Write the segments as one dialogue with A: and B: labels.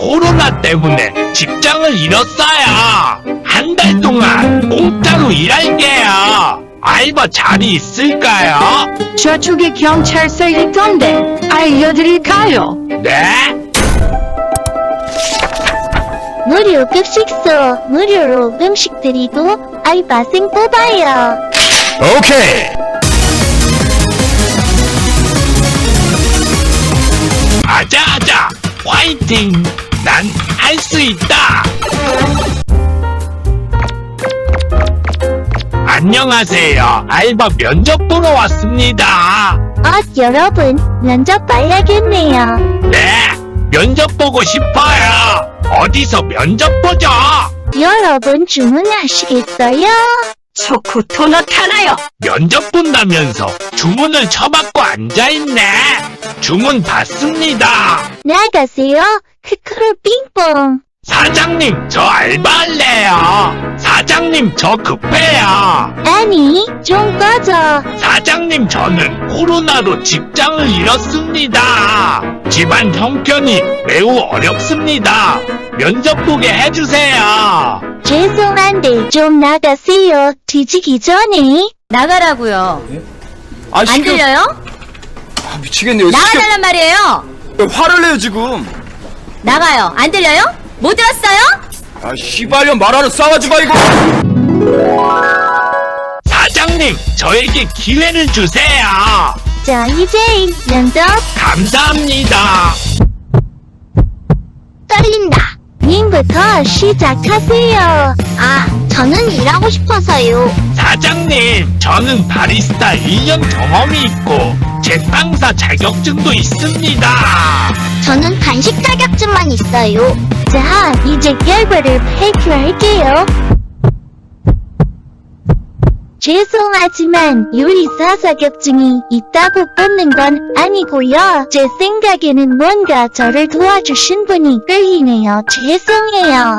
A: 코로나 때문에 직장을 잃었어요. 한 달 동안 공짜로 일할게요. 알바 자리 있을까요?
B: 저쪽에 경찰서 있던데 알려드릴까요?
A: 네?
C: 무료 급식소, 무료로 음식 드리고 알바생 뽑아요.
D: 오케이.
A: 아자아자 화이팅! 난 할 수 있다! 안녕하세요. 알바 면접 보러 왔습니다.
C: 여러분, 면접 봐야겠네요.
A: 네, 면접 보고 싶어요. 어디서 면접 보죠?
C: 여러분 주문하시겠어요?
B: 초코토 나타나요.
A: 면접 본다면서 주문을 쳐받고 앉아있네. 주문 받습니다.
C: 나가세요. 크크루 빙뽕.
A: 사장님, 저 알바할래요. 사장님, 저 급해요.
C: 아니, 좀 꺼져.
A: 사장님, 저는 코로나로 직장을 잃었습니다. 집안 형편이 매우 어렵습니다. 면접 보게 해주세요.
C: 죄송한데 좀 나가세요. 뒤지기 전에.
E: 나가라고요.
D: 아,
E: 안 들려요?
D: 아, 미치겠네요.
E: 나가달란 말이에요.
D: 왜 화를 내요, 지금?
E: 나가요. 안 들려요? 못 들었어요?
D: 아, 씨발년 말하는 싸가지 마, 이거!
A: 사장님, 저에게 기회를 주세요.
C: 자, 이제 면접
A: 감사합니다.
C: 떨린다. 님부터 시작하세요. 저는 일하고 싶어서요.
A: 사장님, 저는 바리스타 1년 경험이 있고 제빵사 자격증도 있습니다.
C: 저는 간식 자격증만 있어요. 자, 이제 결과를 발표할게요. 죄송하지만 요리사 자격증이 있다고 뽑는 건 아니고요. 제 생각에는 뭔가 저를 도와주신 분이 끌리네요. 죄송해요.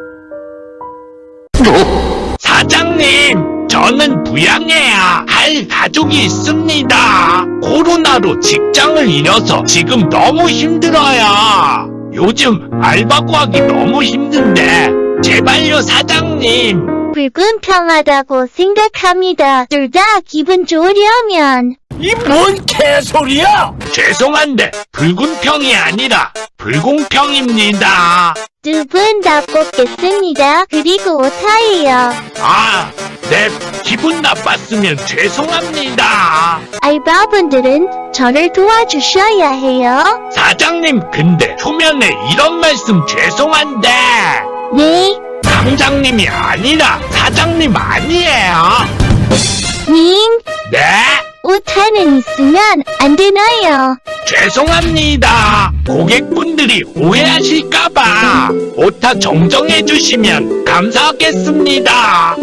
A: 사장님, 저는 부양해야 할 가족이 있습니다. 코로나로 직장을 잃어서 지금 너무 힘들어요. 요즘 알바 구하기 너무 힘든데 제발요 사장님.
C: 불공평하다고 생각합니다. 둘 다 기분 좋으려면.
A: 이 뭔 개소리야? 죄송한데 불공평이 아니라 불공평입니다.
C: 두 분 다 뽑겠습니다. 그리고 오타예요.
A: 네, 기분 나빴으면 죄송합니다.
C: 알바분들은 저를 도와주셔야 해요.
A: 사장님, 근데 초면에 이런 말씀 죄송한데
C: 네,
A: 당장님이 아니라 사장님 아니에요.
C: 님,
A: 네,
C: 오타는 있으면 안 되나요?
A: 죄송합니다. 고객분들이 오해하실까봐 오타 정정해 주시면 감사하겠습니다.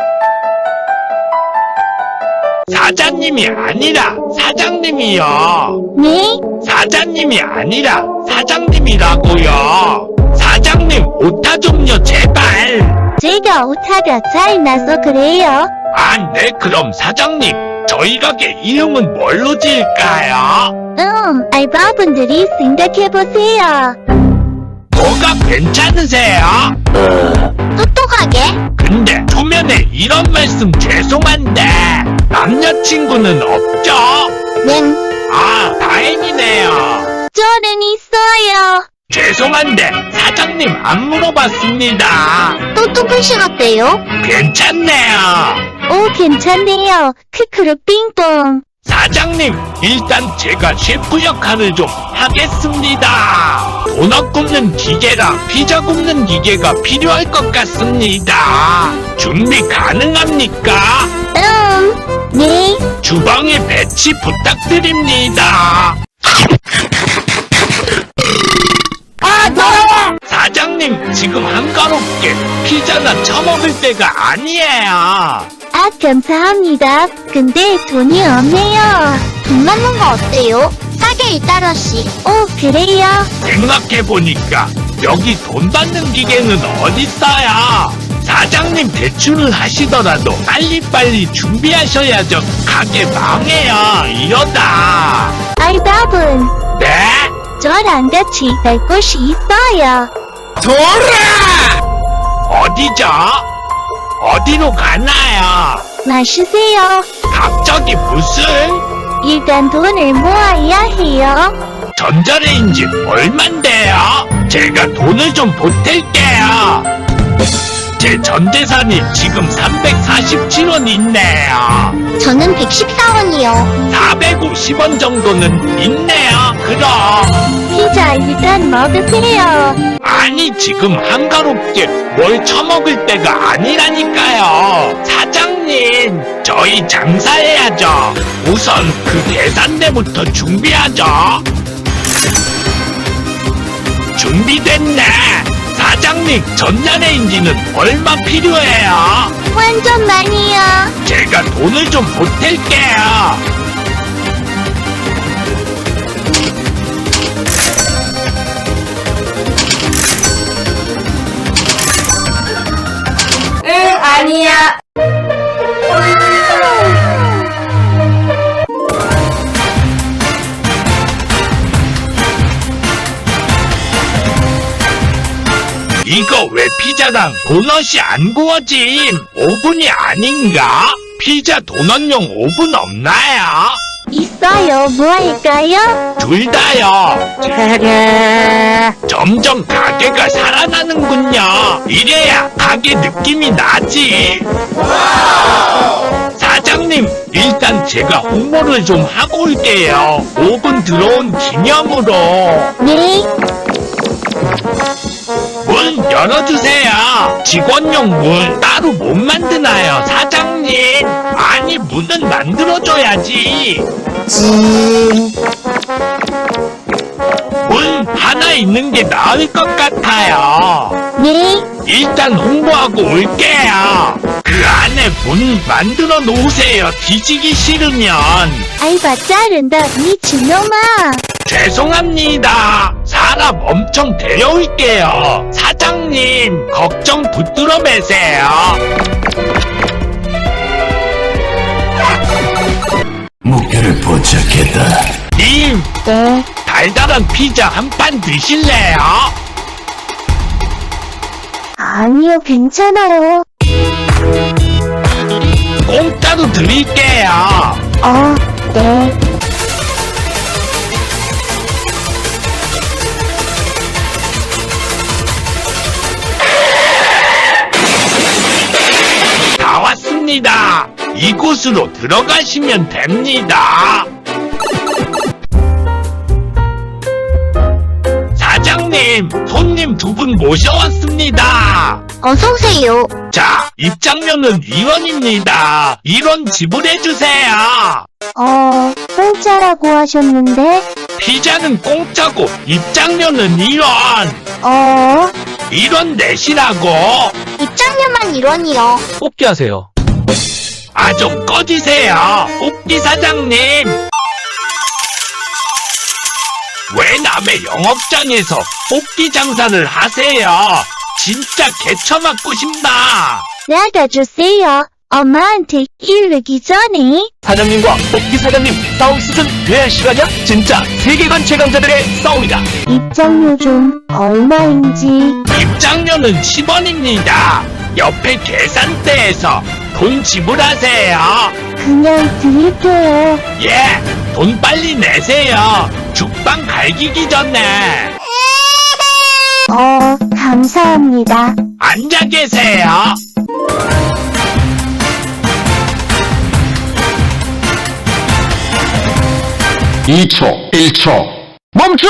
A: 사장님이 아니라 사장님이요.
C: 네,
A: 사장님이 아니라 사장님이라고요. 사장님, 오타 좀요, 제발.
C: 제가 오타가 잘 나서 그래요.
A: 네, 그럼 사장님, 저희 가게 이름은 뭘로 지을까요?
C: 알바분들이 생각해보세요.
A: 뭐가 괜찮으세요?
C: 똑똑하게?
A: 근데 초면에 이런 말씀 죄송한데 남자친구는 없죠?
C: 네,
A: 다행이네요.
C: 저는 있어요.
A: 죄송한데 사장님 안 물어봤습니다.
C: 똑똑하시겠대요?
A: 괜찮네요.
C: 오, 괜찮네요. 크크루 빙뽕.
A: 사장님, 일단 제가 셰프 역할을 좀 하겠습니다. 도넛 굽는 기계랑 피자 굽는 기계가 필요할 것 같습니다. 준비 가능합니까?
C: 네.
A: 주방에 배치 부탁드립니다. 더러워! 사장님, 지금 한가롭게 피자나 처먹을 때가 아니에요.
C: 감사합니다. 근데 돈이 없네요. 돈 받는 거 어때요? 싸게 1달러씩. 오, 그래요?
A: 생각해보니까 여기 돈 받는 기계는 어딨어요? 사장님 대출을 하시더라도 빨리빨리 준비하셔야죠. 가게 망해요. 이러다.
C: 알바분.
A: 네?
C: 저랑 같이 갈 곳이 있어요.
A: 어디죠? 어디로 가나요?
C: 마시세요.
A: 갑자기 무슨?
C: 일단 돈을 모아야 해요.
A: 전자레인지 얼만데요? 제가 돈을 좀 보탤게요. 제 전재산이 지금 347원 있네요.
C: 저는 114원이요.
A: 450원 정도는 있네요. 그럼.
C: 피자 일단 먹으세요.
A: 아니 지금 한가롭게 뭘 처먹을 때가 아니라니까요. 사장님, 저희 장사해야죠. 우선 그 계산대부터 준비하죠. 준비됐네. 사장님, 전자레인지는 얼마 필요해요?
C: 완전 많이요.
A: 제가 돈을 좀 보탤게요.
E: 응, 아니야.
A: 이거 왜 피자랑 도넛이 안 구워짐? 오븐이 아닌가? 피자 도넛용 오븐 없나요?
C: 있어요. 뭐 할까요?
A: 둘 다요. 점점 가게가 살아나는군요. 이래야 가게 느낌이 나지. 사장님, 일단 제가 홍보를 좀 하고 올게요. 오븐 들어온 기념으로.
C: 네.
A: 문 열어주세요. 직원용 문 따로 못 만드나요, 사장님? 아니, 문은 만들어줘야지. 문 하나 있는 게 나을 것 같아요.
C: 네.
A: 일단 홍보하고 올게요. 그 안에 문 만들어 놓으세요. 뒤지기 싫으면.
C: 알바 자른다 미친놈아.
A: 죄송합니다. 사람 엄청 데려올게요. 사장님, 걱정 붙들어 매세요.
F: 목표를 포착했다.
A: 님, 달달한 피자 한 판 드실래요?
C: 아니요, 괜찮아요.
A: 공짜로 드릴게요.
C: 네.
A: 다 왔습니다. 이곳으로 들어가시면 됩니다. 사장님, 손님 두 분 모셔왔습니다.
C: 어서오세요.
A: 자, 입장료는 2원입니다. 1원 지불해주세요.
C: 공짜라고 하셨는데,
A: 피자는 공짜고 입장료는 1원. 1원 내시라고.
C: 입장료만 1원이요.
D: 뽑기 하세요.
A: 아, 좀 꺼지세요. 뽑기 사장님. 왜 남의 영업장에서 뽑기 장사를 하세요? 진짜 개처맞고 싶다.
C: 나가주세요. 엄마한테 이르기 전에.
D: 사장님과 뽑기 사장님 싸움 수준 왜 시간이야? 진짜 세계관 최강자들의 싸움이다.
C: 입장료 좀 얼마인지.
A: 입장료는 10원입니다. 옆에 계산대에서 돈 지불하세요.
C: 그냥 드릴게요.
A: 예, 돈 빨리 내세요. 죽방 갈기기 전에.
C: 감사합니다.
A: 앉아 계세요.
F: 멈춰!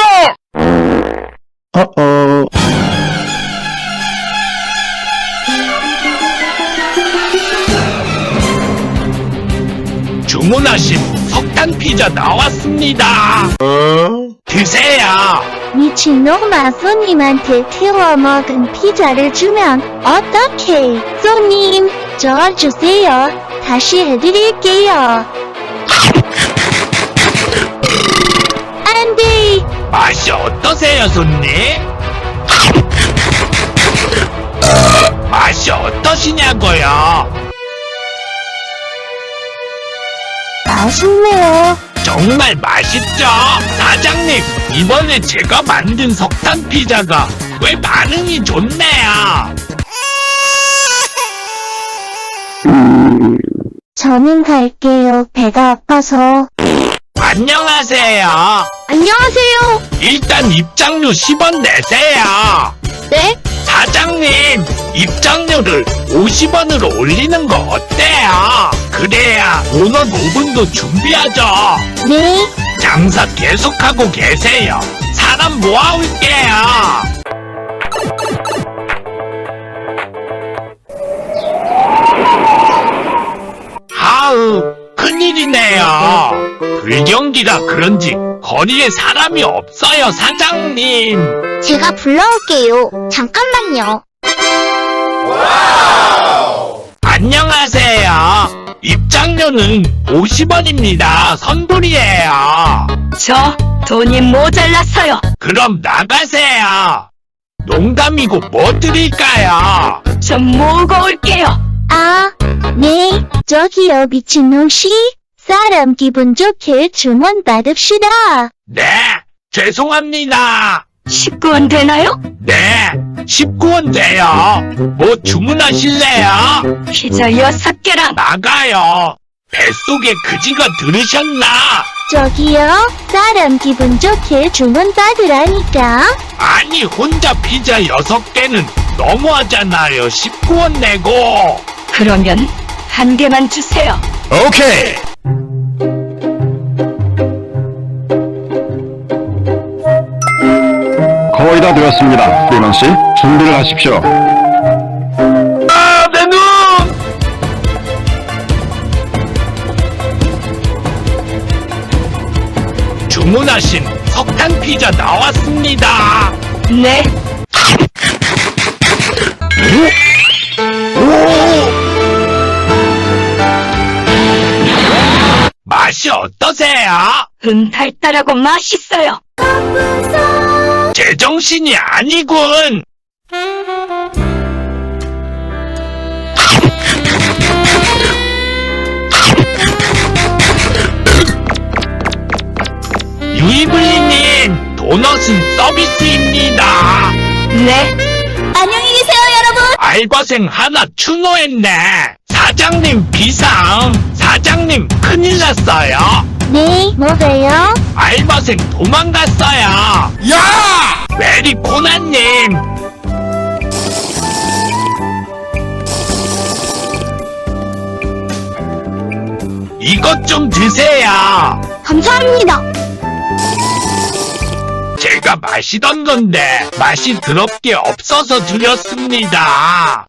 A: 주문하신 석탄 피자 나왔습니다. 드세요.
C: 미친놈아, 손님한테 태워 먹은 피자를 주면 어떡해. 손님, 저 주세요. 다시 해드릴게요. 안 돼.
A: 맛이 어떠세요, 손님? 맛이 어떠시냐고요?
C: 맛있네요.
A: 정말 맛있죠? 사장님, 이번에 제가 만든 석탄 피자가 꽤 반응이 좋네요.
C: 저는 갈게요. 배가 아파서.
A: 안녕하세요.
B: 안녕하세요.
A: 일단 입장료 10원 내세요.
B: 네?
A: 사장님, 입장료를 50원으로 올리는 거 어때요? 그래야 오늘 5분도 준비하죠.
C: 네.
A: 장사 계속하고 계세요. 사람 모아올게요. 아우, 큰일이네요. 불경기라 그런지 거리에 사람이 없어요, 사장님.
C: 제가 불러올게요. 잠깐만요.
A: 안녕하세요. 입장료는 50원입니다. 선불이에요.
B: 저 돈이 모자라서요.
A: 그럼 나가세요. 농담이고 뭐 드릴까요?
B: 좀 모으고 올게요.
C: 아, 네. 저기요, 미친놈씨. 사람 기분 좋게 주문 받읍시다.
A: 네, 죄송합니다.
B: 19원 되나요?
A: 네, 19원 돼요. 뭐 주문하실래요?
B: 피자 6개랑
A: 나가요. 뱃속에 그지가 들으셨나?
C: 저기요, 사람 기분 좋게 주문 받으라니까.
A: 아니, 혼자 피자 6개는 너무하잖아요. 19원 내고.
B: 그러면 한 개만 주세요.
F: 오케이. 거의 다 되었습니다. 리먼 씨, 준비를 하십시오.
A: 아, 내 눈! 주문하신 석탄 피자 나왔습니다.
B: 네,
A: 맛이 어떠세요?
B: 달달하고 맛있어요.
A: 제정신이 아니군. 유이블리님, 도넛은 서비스입니다.
B: 네,
E: 안녕히 계세요, 여러분.
A: 알바생 하나 추노했네. 사장님 비상. 사장님 큰일 났어요.
C: 네, 뭐가요?
A: 알바생 도망갔어요. 야! 메리 코나님. 이것 좀 드세요.
C: 감사합니다.
A: 제가 마시던 건데 맛이 더럽게 없어서 드렸습니다.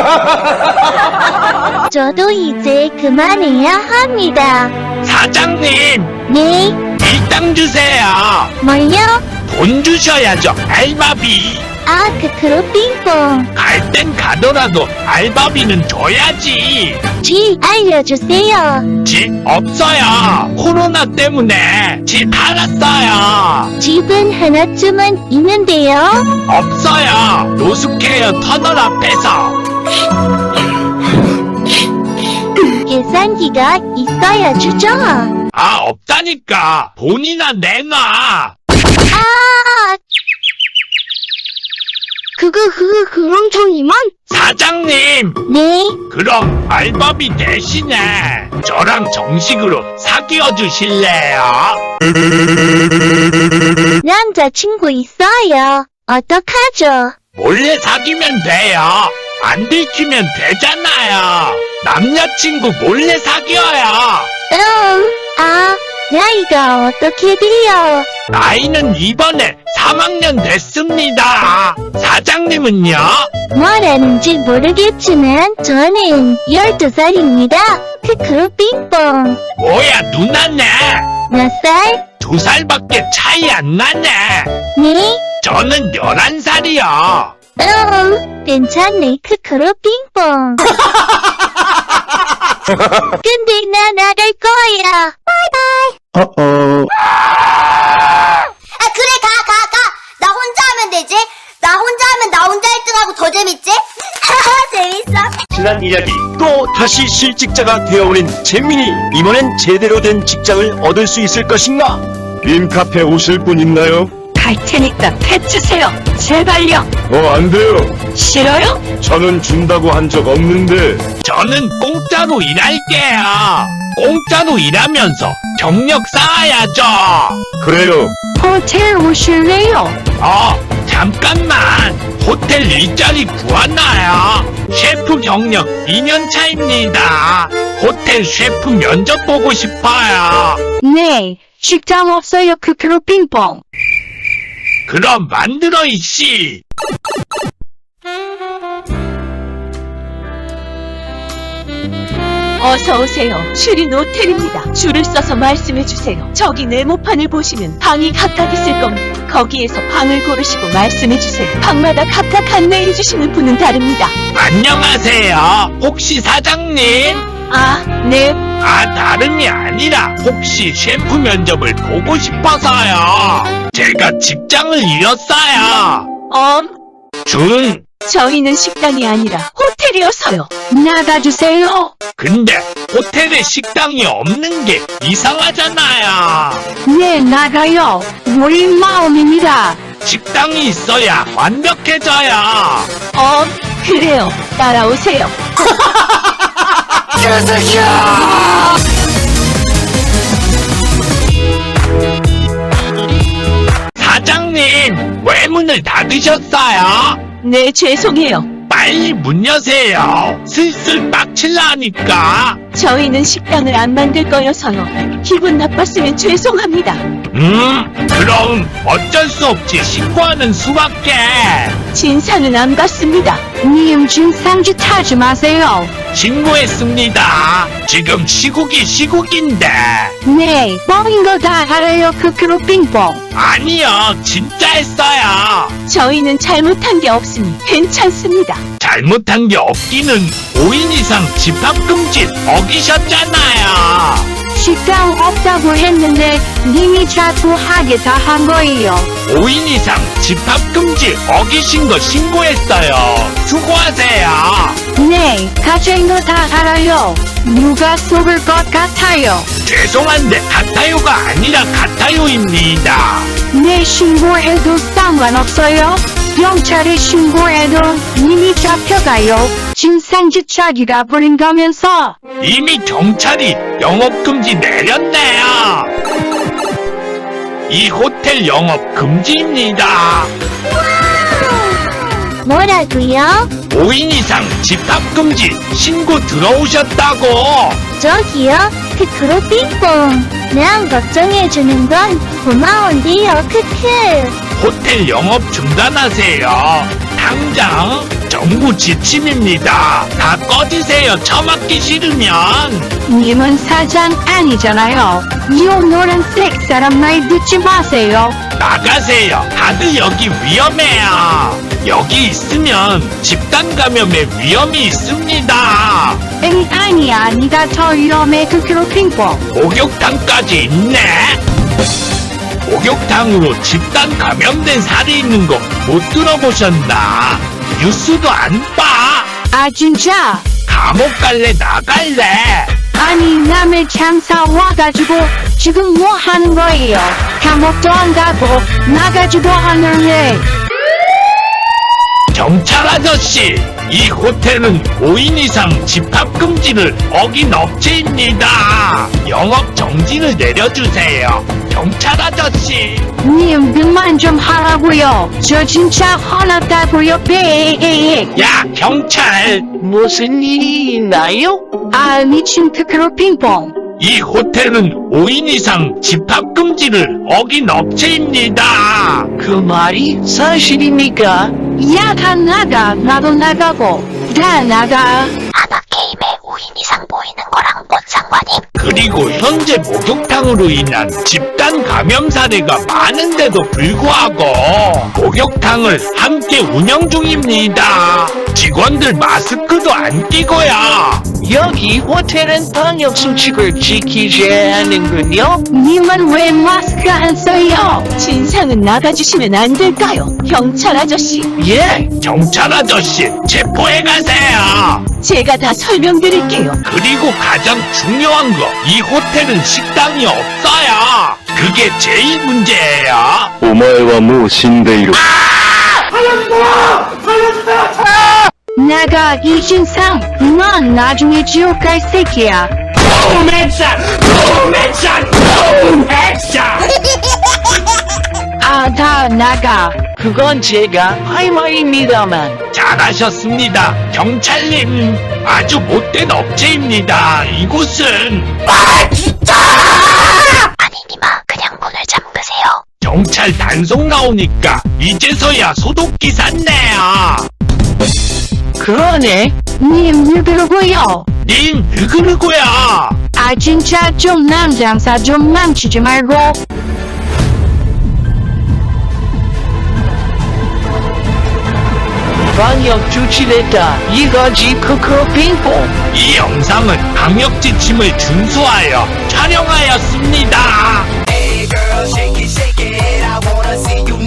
C: 저도 이제 그만해야 합니다.
A: 사장님,
C: 네,
A: 일당 주세요.
C: 뭘요?
A: 돈 주셔야죠, 알바비.
C: 아, 빙봉.
A: 갈 땐 가더라도 알바비는 줘야지.
C: 지, 알려주세요.
A: 집 없어요. 코로나 때문에 집 팔았어요.
C: 집은 하나쯤은 있는데요.
A: 없어요. 노숙해요, 터널 앞에서.
C: 계산기가 있어야 주죠.
A: 아, 없다니까. 돈이나 내놔.
C: 아! 그럼 저 이만?
A: 사장님,
C: 네,
A: 그럼 알바비 대신에 저랑 정식으로 사귀어 주실래요?
C: 남자친구 있어요. 어떡하죠?
A: 몰래 사귀면 돼요. 안 들키면 되잖아요. 남자친구 몰래 사귀어요.
C: 아, 나이가 어떻게 돼요?
A: 나이는 이번에 3학년 됐습니다. 사장님은요?
C: 뭐라는지 모르겠지만 저는 12살입니다. 빙봉.
A: 뭐야, 누나네.
C: 몇 살?
A: 2살밖에 차이 안 나네.
C: 네?
A: 저는 11살이요.
C: 괜찮네. 빙봉. 근데 나 나갈 거야.
F: 어어.
G: 아 그래 가. 나 혼자 하면 되지. 나 혼자 하면 나 혼자 1등하고 더 재밌지? 재밌어.
D: 지난 이야기 또 다시 실직자가 되어버린 잼민이 이번엔 제대로 된 직장을 얻을 수 있을 것인가?
F: 림카페 오실 분 있나요?
B: 갈 테니까 해주세요. 제발요.
F: 안 돼요.
B: 싫어요?
F: 저는 준다고 한 적 없는데.
A: 저는 공짜로 일할게요. 공짜로 일하면서 경력 쌓아야죠.
F: 그래요.
B: 호텔 오실래요?
A: 잠깐만. 호텔 일자리 구하나요? 셰프 경력 2년 차입니다. 호텔 셰프 면접 보고 싶어요.
B: 네. 식당 없어요. 크크로 빙봉.
A: 그럼 만들어 이씨.
E: 어서 오세요. 슈린 호텔입니다. 줄을 서서 말씀해 주세요. 저기 네모판을 보시면 방이 각각 있을 겁니다. 거기에서 방을 고르시고 말씀해 주세요. 방마다 각각 안내해 주시는 분은 다릅니다.
A: 안녕하세요. 혹시 사장님?
E: 아, 네.
A: 다름이 아니라 혹시 셰프 면접을 보고 싶어서요. 제가 직장을 잃었어요.
E: 저희는 식당이 아니라 호텔이어서요.
B: 나가주세요.
A: 근데 호텔에 식당이 없는 게 이상하잖아요.
B: 네, 나가요. 우리 마음입니다.
A: 식당이 있어야 완벽해져요.
E: 그래요. 따라오세요.
A: 사장님, 왜 문을 닫으셨어요?
E: 네, 죄송해요.
A: 빨리 문 여세요. 슬슬 빡칠라니까.
E: 저희는 식당을 안 만들 거여서요. 기분 나빴으면 죄송합니다.
A: 그럼 어쩔 수 없이 신고하는 수밖에.
E: 진상은 안 받습니다.
B: 님 진상짓 하지 마세요.
A: 신고했습니다. 지금 시국인데.
B: 네, 뻥인 거 다 알아요. 크크로 빙봉.
A: 아니요, 진짜 했어요.
E: 저희는 잘못한 게 없으니 괜찮습니다.
A: 잘못한 게 없기는 5인 이상 집합금지 어기셨잖아요.
B: 식당 없다고 했는데 님이 자꾸 하게 다 한 거예요.
A: 5인 이상 집합금지 어기신 거 신고했어요. 수고하세요.
B: 네, 가진 거 다 알아요. 누가 속을 것 같아요.
A: 죄송한데 같아요가 아니라 같아요입니다.
B: 네, 신고해도 상관없어요. 경찰에 신고해도 님이 잡혀가요. 진상짓 자기가 부린 거면서.
A: 이미 경찰이 영업금지 내렸네요. 이 호텔 영업 금지입니다.
C: 뭐라고요?
A: 5인 이상 집합금지 신고 들어오셨다고.
C: 저기요? 크크로 빙봉. 난 걱정해주는 건 고마운데요. 크크.
A: 호텔 영업 중단하세요. 당장 정부 지침입니다. 다 꺼지세요. 처맞기 싫으면.
B: 님은 사장 아니잖아요. 이 노란색 사람 말 듣지 마세요.
A: 나가세요. 다들 여기 위험해요. 여기 있으면 집단 감염의 위험이 있습니다.
B: 엥, 아니야. 니가 더 위험해. 크크로 빙봉.
A: 목욕탕까지 있네. 목욕탕으로 집단 감염된 살이 있는 거 못 들어보셨나? 뉴스도 안 봐.
B: 아, 진짜?
A: 감옥 갈래 나갈래?
B: 아니, 남의 장사 와가지고 지금 뭐 하는 거예요? 감옥도 안 가고 나가지도 않을래.
A: 경찰 아저씨, 이 호텔은 5인 이상 집합금지를 어긴 업체입니다. 영업 정지를 내려주세요. 경찰 아저씨.
B: 님, 그만 좀 하라고요. 저 진짜 화났다고요.
A: 야, 경찰.
D: 무슨 일이 있나요?
B: 아, 미친 크크로 빙봉.
A: 이 호텔은 5인 이상 집합금지를 어긴 업체입니다.
D: 그 말이 사실입니까?
B: 야, 다 나가. 나도 나가고. 다 나가.
G: 아바게임에 5인 이상 모이는 거랑 뭔 상관임?
A: 그리고 현재 목욕탕으로 인한 집단 감염 사례가 많은데도 불구하고 목욕탕을 함께 운영 중입니다. 직원들 마스크도 안 끼고요.
H: 여기 호텔은 방역 수칙을 지키셔야 하는군요.
B: 님은 왜 마스크 안 써요?
E: 진상은 나가주시면 안 될까요? 경찰 아저씨,
A: 예, 경찰 아저씨, 체포해 가세요.
E: 제가 다 설명드릴게요.
A: 그리고 가장 중요한 거, 이 호텔은 식당이 없어요. 그게 제일 문제예요.
F: お前はもう死んでいる。
B: 나가 이신상 넌 나중에 지옥 갈 새끼야. 아, 다 나가.
H: 그건 제가 할 말입니다만.
A: 잘하셨습니다. 경찰님, 아주 못된 업체입니다. 이곳은
G: 아니 니마 그냥 문을 잠그세요.
A: 경찰 단속 나오니까 이제서야 소독기 샀네요.
H: 그러네.
B: 님 누구고요?
A: 님, 누구누구야?
B: 아 진짜 좀 남장사 좀 망치지 말고.
H: 방역 조치됐다. 이거지 코코 핑퐁.
A: 이 영상은 방역 지침을 준수하여 촬영하였습니다.
I: Hey girl, shake it, I wanna see you